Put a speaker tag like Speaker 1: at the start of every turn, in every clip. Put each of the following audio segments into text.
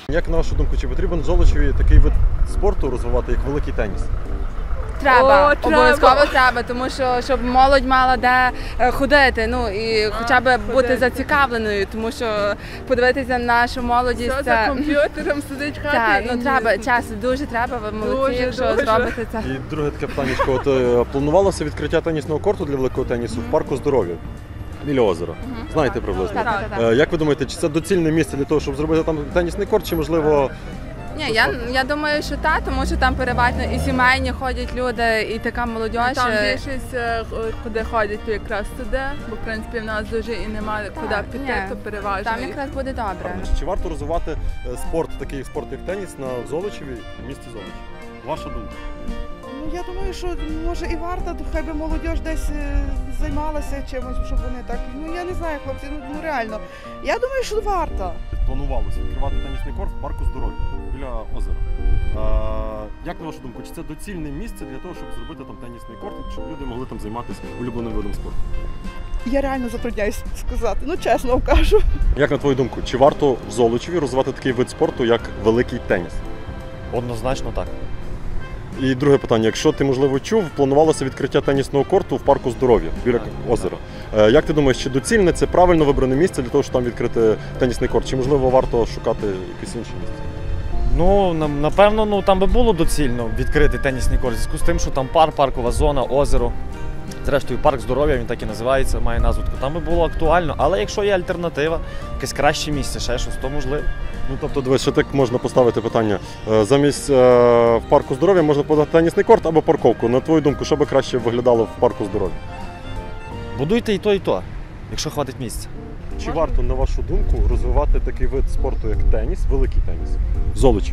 Speaker 1: Як на вашу думку, чи потрібен в Золочеві такий вид спорту розвивати, як великий теніс?
Speaker 2: Треба, обов'язково треба, тому що щоб молодь мала де ходити, ну і хоча б бути зацікавленою, тому що подивитися на нашу молодість.
Speaker 3: Все за комп'ютером сидить в хаті.
Speaker 2: Ну треба, часу дуже треба, ви молодці, якщо зробите це.
Speaker 1: І друге таке питання, от планувалося відкриття тенісного корту для великого тенісу в парку Здоров'я біля озера. Знаєте приблизно?
Speaker 2: Так.
Speaker 1: Як ви думаєте, чи це доцільне місце для того, щоб зробити там тенісний корт, чи можливо...
Speaker 2: Ні, я думаю, що так, тому що там переважно і сімейні ходять люди, і така молодь.
Speaker 3: Там більшість, куди ходять, то якраз туди, бо в принципі в нас дуже і немає куди піти, то переважно.
Speaker 2: Там якраз буде добре.
Speaker 1: Чи варто розвивати спорт, такий спорт, як теніс, на Золочеві, в місті Золоч? Ваша думка?
Speaker 4: Ну, я думаю, що може і варто, хай би молодь десь займалася чимось, щоб вони так. Ну я не знаю, хлопці, ну реально. Я думаю, що варто.
Speaker 1: Планувалося відкривати тенісний корт в парку Здоров'я біля озера. Як на вашу думку, чи це доцільне місце для того, щоб зробити там тенісний корт, щоб люди могли там займатися улюбленим видом спорту?
Speaker 4: Я реально затрудняюсь сказати, ну чесно вам кажу.
Speaker 1: Як на твою думку, чи варто в Золочеві розвивати такий вид спорту, як великий теніс?
Speaker 5: Однозначно так.
Speaker 1: І друге питання, якщо ти, можливо, чув, планувалося відкриття тенісного корту в парку Здоров'я біля озера. Як ти думаєш, чи доцільне це правильно вибране місце для того, щоб там відкрити тенісний корт? Чи, можливо, варто шукати якесь інше місце?
Speaker 5: Ну, напевно, там би було доцільно відкрити тенісний корт, в зв'язку з тим, що там паркова зона, озеро. Зрештою, парк Здоров'я, він так і називається, має назву. Там би було актуально, але якщо є альтернатива, якесь краще місце, ще щось, то можливо.
Speaker 1: Ну, тобто, дивись, що так можна поставити питання. Замість в парку Здоров'я можна подати тенісний корт або парковку. На твою думку, що би краще виглядало в парку Здоров'я?
Speaker 5: Будуйте і то, якщо хватить місця.
Speaker 1: Чи варто, на вашу думку, розвивати такий вид спорту, як теніс, великий теніс? В Золочеві,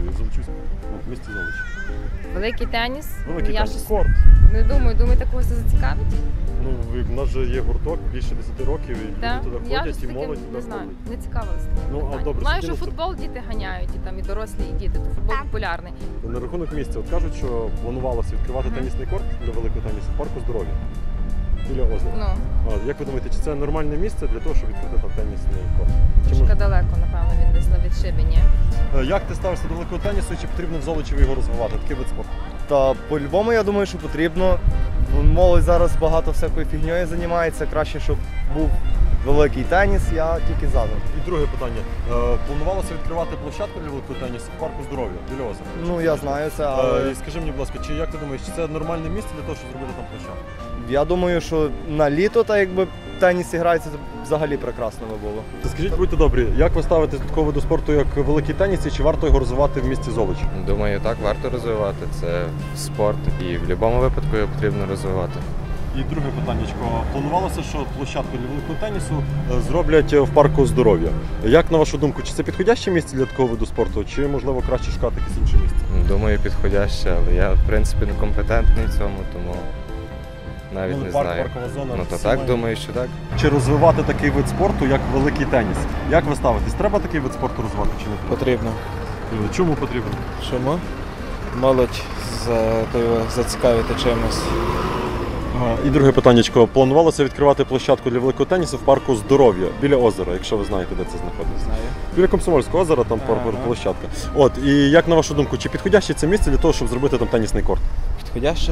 Speaker 1: в місті Золочеві.
Speaker 6: Великий теніс.
Speaker 1: Великий
Speaker 6: Я
Speaker 1: теніс,
Speaker 6: щось
Speaker 1: корт.
Speaker 6: не думаю, думаєте, когось це зацікавить?
Speaker 1: Ну, в нас же є гурток більше 10 років, і
Speaker 6: Да?
Speaker 1: люди туди
Speaker 6: Я
Speaker 1: ходять,
Speaker 6: щось
Speaker 1: і
Speaker 6: таке
Speaker 1: молодь
Speaker 6: не
Speaker 1: туди
Speaker 6: знаю,
Speaker 1: ходить.
Speaker 6: не цікавилася.
Speaker 1: Ну, а добре,
Speaker 6: знаю, що
Speaker 1: скинути-
Speaker 6: футбол діти ганяють, і там і дорослі, і діти, то футбол популярний.
Speaker 1: На рахунок місця, от кажуть, що планувалося відкривати тенісний корт для великого тенісу в парку Здоров'я біля озера.
Speaker 6: Ну,
Speaker 1: Як ви думаєте, чи це нормальне місце для того, щоб відкрити там тенісний корт? Чи
Speaker 6: трошки далеко, напевно, він десь на відшибі,
Speaker 1: Як ти ставишся до великого тенісу, чи потрібно в Золочеві його розвивати? Такий вид спорту.
Speaker 7: Та по-любому я думаю, що потрібно. Молодь зараз багато всякою фігньою займається. Краще, щоб був великий теніс, я тільки за.
Speaker 1: І друге питання. Планувалося відкривати площадку для великого тенісу в парку Здоров'я біля озера?
Speaker 7: Ну я знаю це, але
Speaker 1: І скажи мені, будь ласка, чи як ти думаєш, чи це нормальне місце для того, щоб зробити там площадку?
Speaker 7: я думаю, що на літо, так якби теніс грається, то взагалі прекрасно би було.
Speaker 1: Скажіть, будьте добрі, як ви ставитесь до такого виду спорту, як великий теніс, і чи варто його розвивати в місті Золоч?
Speaker 8: Думаю, так, варто розвивати. Це спорт і в будь-якому випадку його потрібно розвивати.
Speaker 1: І друге питаннячко. Планувалося, що площадку для великого тенісу зроблять в парку Здоров'я. Як на вашу думку, чи це підходяще місце для такого виду спорту, чи можливо краще шукати якесь інше місце?
Speaker 8: Думаю, підходяще, але я в принципі не компетентний в цьому, тому навіть не знаю.
Speaker 1: Паркова зона.
Speaker 8: Ну то
Speaker 1: всі
Speaker 8: так,
Speaker 1: мають.
Speaker 8: думаю, що так.
Speaker 1: Чи розвивати такий вид спорту, як великий теніс? Як ви ставитесь? Треба такий вид спорту розвивати чи не треба?
Speaker 9: Потрібно.
Speaker 1: Чому потрібно?
Speaker 9: Чому? Молодь зацікавити чимось.
Speaker 1: І друге питаннячко. Планувалося відкривати площадку для великого тенісу в парку Здоров'я біля озера, якщо ви знаєте, де це знаходиться.
Speaker 9: Знаю.
Speaker 1: Біля Комсомольського озера, там площадка. От, і як на вашу думку, чи підходяще це місце для того, щоб зробити там тенісний корт?
Speaker 9: Підходяще.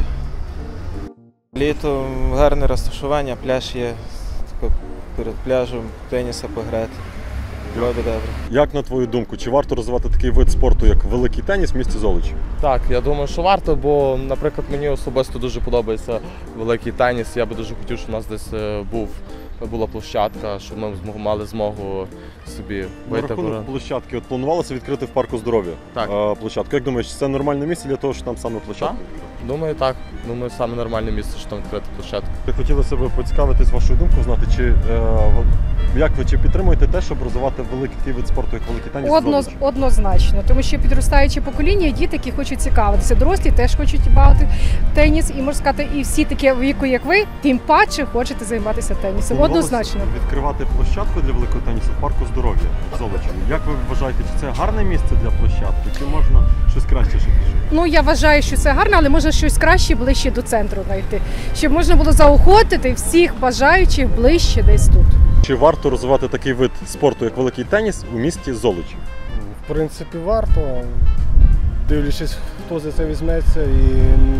Speaker 9: Літо гарне розташування, пляж є, тако перед пляжем теніса пограти. Було би добре.
Speaker 1: Як на твою думку, чи варто розвивати такий вид спорту, як великий теніс в місті Золоч?
Speaker 10: Так, я думаю, що варто, бо, наприклад, мені особисто дуже подобається великий теніс. Я би дуже хотів, щоб у нас десь була площадка, щоб ми мали змогу собі
Speaker 1: На
Speaker 10: вийти.
Speaker 1: рахунок площадки, от планувалося відкрити в парку Здоров'я площадку. Як думаєш, це нормальне місце для того, щоб там саме площадка?
Speaker 10: Думаю, так. Думаю, саме нормальне місце, щоб там відкрити площадку.
Speaker 1: Хотілося б поцікавитись вашою думкою, знати, як ви чи підтримуєте те, щоб розвивати великий такий вид спорту, як великий теніс?
Speaker 11: Однозначно, тому що підростаюче покоління, діти, які хочуть цікавитися. Дорослі теж хочуть багато теніс, і можна сказати, і всі такі віку, як ви, тим паче хочете займатися тенісом. Однозначно.
Speaker 1: Відкривати площадку для великого тенісу в парку Здоров'я в Золочеві. Як ви вважаєте, чи це гарне місце для площадки, чи можна щось краще ще пішло?
Speaker 11: Ну, я вважаю, що це гарно, але можна щось краще ближче до центру знайти, щоб можна було заохотити всіх бажаючих ближче десь тут.
Speaker 1: Чи варто розвивати такий вид спорту, як великий теніс, у місті Золоч?
Speaker 12: В принципі, варто, дивлячись, хто за це візьметься і,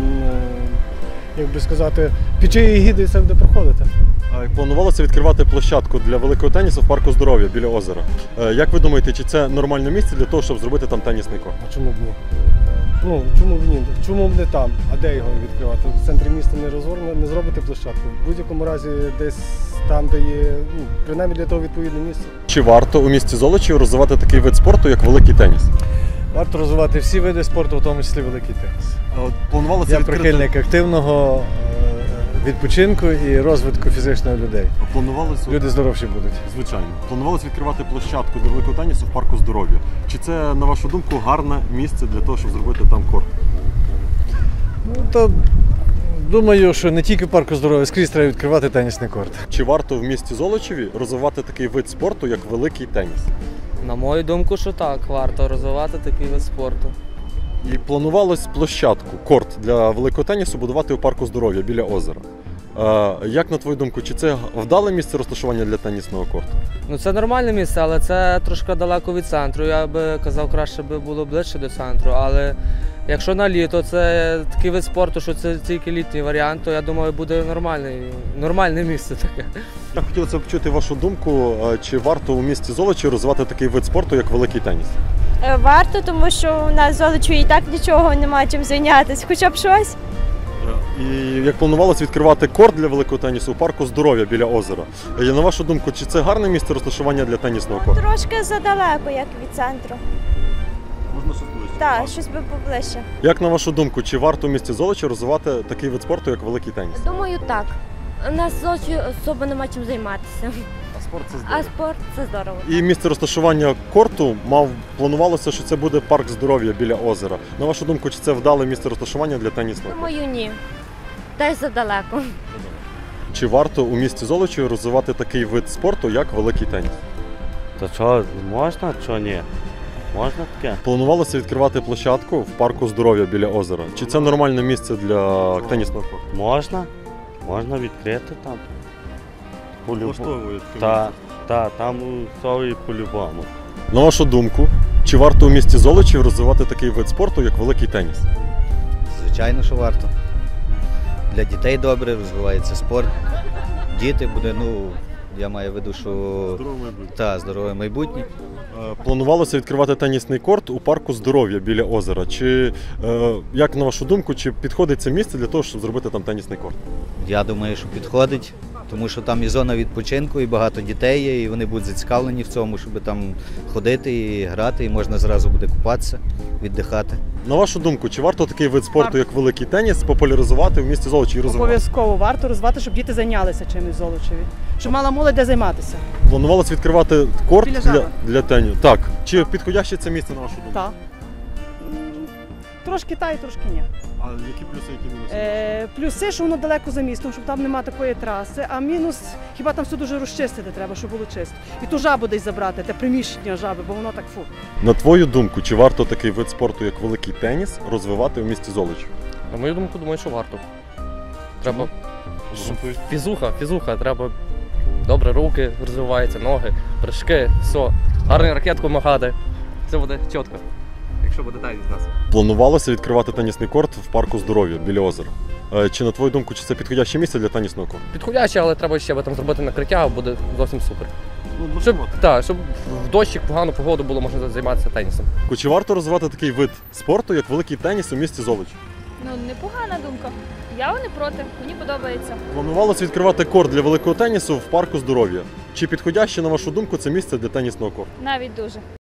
Speaker 12: як би сказати, під чиєї гіди це буде проходити.
Speaker 1: Планувалося відкривати площадку для великого тенісу в парку здоров'я біля озера. Як ви думаєте, чи це нормальне місце для того, щоб зробити там тенісний корт?
Speaker 12: А чому б ні? Ну, чому б ні? Чому б не там? А де його відкривати? В центрі міста не зробити площадку. В будь-якому разі десь там, де є, принаймні для того відповідне місце.
Speaker 1: Чи варто у місті Золочів розвивати такий вид спорту, як великий теніс?
Speaker 5: Варто розвивати всі види спорту, в тому числі великий теніс.
Speaker 1: Планувалося
Speaker 5: Я
Speaker 1: відкрити...
Speaker 5: прихильник активного відпочинку і розвитку фізичного людей.
Speaker 1: Планувалося...
Speaker 5: Люди здоровші будуть.
Speaker 1: Звичайно. Планувалося відкривати площадку для великого тенісу в парку здоров'я. Чи це, на вашу думку, гарне місце для того, щоб зробити там корт?
Speaker 5: Ну, то думаю, що не тільки в парку здоров'я, скрізь треба відкривати тенісний корт.
Speaker 1: Чи варто в місті Золочеві розвивати такий вид спорту, як великий теніс?
Speaker 13: На мою думку, що так, варто розвивати такий вид спорту.
Speaker 1: І планувалось площадку, корт для великого тенісу будувати у парку здоров'я біля озера. Як на твою думку, чи це вдале місце розташування для тенісного корту?
Speaker 13: Ну це нормальне місце, але це трошки далеко від центру. Я би казав, краще би було ближче до центру. Але якщо на літо це такий вид спорту, що це тільки літній варіант, то я думаю, буде нормальне місце таке.
Speaker 1: Я хотілося б почути вашу думку, чи варто у місті Золочів розвивати такий вид спорту, як великий теніс?
Speaker 14: Варто, тому що у нас в Золочеві і так нічого немає чим зайнятися, хоча б щось.
Speaker 1: І як планувалося відкривати корт для великого тенісу у парку здоров'я біля озера. На вашу думку, чи це гарне місце розташування для тенісного корту?
Speaker 14: Трошки задалеко, як від центру.
Speaker 1: Можна щось ближче?
Speaker 14: Так, щось би поближче.
Speaker 1: Як на вашу думку, чи варто у місті Золочів розвивати такий вид спорту, як великий теніс?
Speaker 15: Думаю, так. У нас в Золочі особо нема чим займатися.
Speaker 1: А спорт це здорово.
Speaker 15: А спорт це здорово.
Speaker 1: І місце розташування корту планувалося, що це буде парк здоров'я біля озера. На вашу думку, чи це вдале місце розташування для тенісного корту?
Speaker 15: Думаю, ні. Десь задалеко.
Speaker 1: Чи варто у місті Золочів розвивати такий вид спорту, як великий теніс?
Speaker 16: То що, можна, що ні? Можна таке?
Speaker 1: Планувалося відкривати площадку в парку здоров'я біля озера. Чи це нормальне місце для тенісного корту?
Speaker 16: Можна відкрити там.
Speaker 1: Влаштовують.
Speaker 16: Так, там все і по-любому.
Speaker 1: На вашу думку, чи варто у місті Золочів розвивати такий вид спорту, як великий теніс?
Speaker 17: Звичайно, що варто. Для дітей добре, розвивається спорт. Діти буде, я маю в виду, що здорове майбутнє.
Speaker 1: Планувалося відкривати тенісний корт у парку здоров'я біля озера. Чи, як на вашу думку, чи підходить це місце для того, щоб зробити там тенісний корт?
Speaker 17: Я думаю, що підходить, тому що там і зона відпочинку, і багато дітей є, і вони будуть зацікавлені в цьому, щоб там ходити і грати, і можна зразу буде купатися, віддихати.
Speaker 1: На вашу думку, чи варто такий вид спорту, як великий теніс, популяризувати в місті Золочеві і розвивати?
Speaker 18: Обов'язково варто розвивати, щоб діти зайнялися чимось в Золочеві, щоб мала молодь де займатися.
Speaker 1: Планувалося відкривати корт для тенісу. Так. Чи підходяще це місце, на вашу думку?
Speaker 18: Так. Трошки та і трошки ні.
Speaker 1: А які плюси, які мінуси?
Speaker 18: Плюси, що воно далеко за містом, щоб там немає такої траси, а мінус, хіба там все дуже розчистити треба, щоб було чисто. І ту жабу десь забрати, те приміщення жаби, бо воно так фу.
Speaker 1: На твою думку, чи варто такий вид спорту, як великий теніс, розвивати в місті Золочів?
Speaker 19: На мою думку, думаю, що варто. Треба фізуха, треба добре руки розвиваються, ноги, прыжки, все. Гарну ракетку махати, все буде чітко, якщо буде так від нас.
Speaker 1: Планувалося відкривати тенісний корт в парку здоров'я біля озера. Чи на твою думку, чи це підходяще місце для тенісного корту?
Speaker 19: Підходяще, але треба ще там зробити накриття, буде зовсім супер. Щоб в дощик, погану погоду було можна займатися тенісом.
Speaker 1: Чи варто розвивати такий вид спорту, як великий теніс у місті Золочів?
Speaker 20: Непогана думка. Я не проти, мені подобається.
Speaker 1: Планувалося відкривати корт для великого тенісу в парку здоров'я. Чи підходяще, на вашу думку, це місце для тенісного корту?
Speaker 20: Навіть дуже.